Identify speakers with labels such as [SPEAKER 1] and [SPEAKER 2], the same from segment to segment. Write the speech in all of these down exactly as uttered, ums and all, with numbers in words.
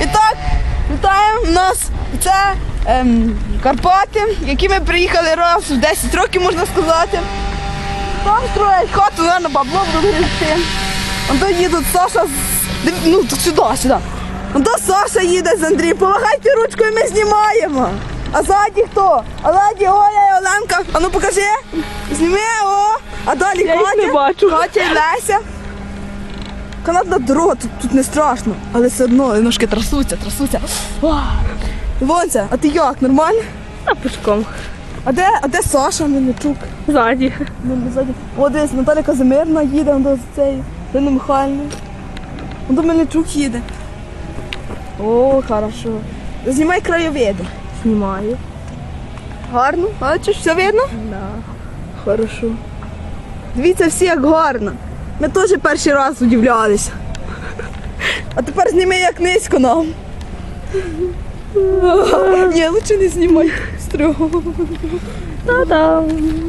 [SPEAKER 1] І так, вітаємо у нас це ем, Карпати, які ми приїхали раз в десять років, можна сказати. Там строять хату, наверное, бабло будуть гребти. Вон то їдуть Саша з... Ну, тут сюди, сюди. Вон то Саша їде з Андрієм. Помагайте ручкою, ми знімаємо. А ззаді хто? А ззаді Оля і Оленка. А ну покажи. Зніми, о. А далі
[SPEAKER 2] Я їх не
[SPEAKER 1] Катя,
[SPEAKER 2] бачу.
[SPEAKER 1] Катя і Леся. Канатна дорога, тут, тут не страшно, але все одно ножки трасуться, трасуться. Вонця, а ти як, нормально?
[SPEAKER 2] А пішком.
[SPEAKER 1] А де, а де Саша Мельничук?
[SPEAKER 2] Ззаді.
[SPEAKER 1] Ну, ззаді. О, десь Наталя Казимирна їде, он до цей, Ірина Михайлівна. Он до Мельничук їде. О, хорошо. Знімай краєвиди.
[SPEAKER 2] Знімаю.
[SPEAKER 1] Гарно, бачиш, все видно?
[SPEAKER 2] Да.
[SPEAKER 1] Хорошо. Дивіться всі, як гарно. Ми теж перший раз удивлялися. А тепер зніми, як низько нам. Ні, лучше не знімай. Стрьом.
[SPEAKER 2] Та-дам.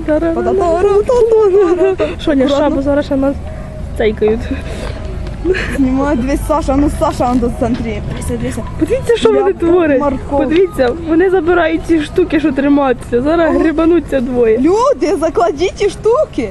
[SPEAKER 2] Що, не шабу зараз ще нас цейкають.
[SPEAKER 1] Знімай, дивись, Саша, ну Саша, он до центрі. Дивися, дивися.
[SPEAKER 2] Подивіться, що вони
[SPEAKER 1] Як
[SPEAKER 2] творять.
[SPEAKER 1] морков.
[SPEAKER 2] Подивіться, вони забирають ці штуки, що тримаються. Зараз грибануться двоє.
[SPEAKER 1] Люди, закладіть ті штуки.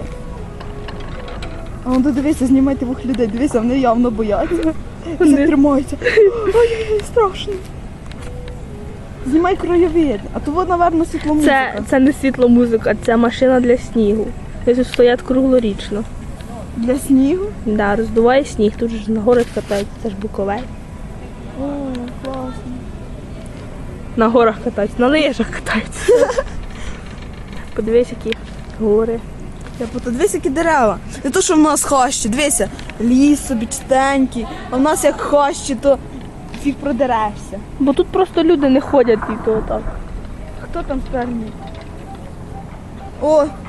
[SPEAKER 1] А он дивися, знімайте двох людей, дивися, вони явно бояться. Всі
[SPEAKER 2] Вони-
[SPEAKER 1] тримаються. Ой-ой-ой, страшно. Знімай краєвид, а то от, напевно, світломузика.
[SPEAKER 2] Це, це не світломузика, це машина для снігу. Вони тут стоять круглорічно.
[SPEAKER 1] Для снігу.
[SPEAKER 2] Да, роздуває сніг, тут ж на горах катаються, це ж Буковель.
[SPEAKER 1] О, класно.
[SPEAKER 2] На горах катаються, на лижах катаються. Подивись, які гори.
[SPEAKER 1] Я пото, дивись, які дерева. Не то, що в нас хащі, дивися, ліс собі чистенький, а в нас як хащі, то фіг продерешся.
[SPEAKER 2] Бо тут просто люди не ходять і то так.
[SPEAKER 1] Хто там спермий? О,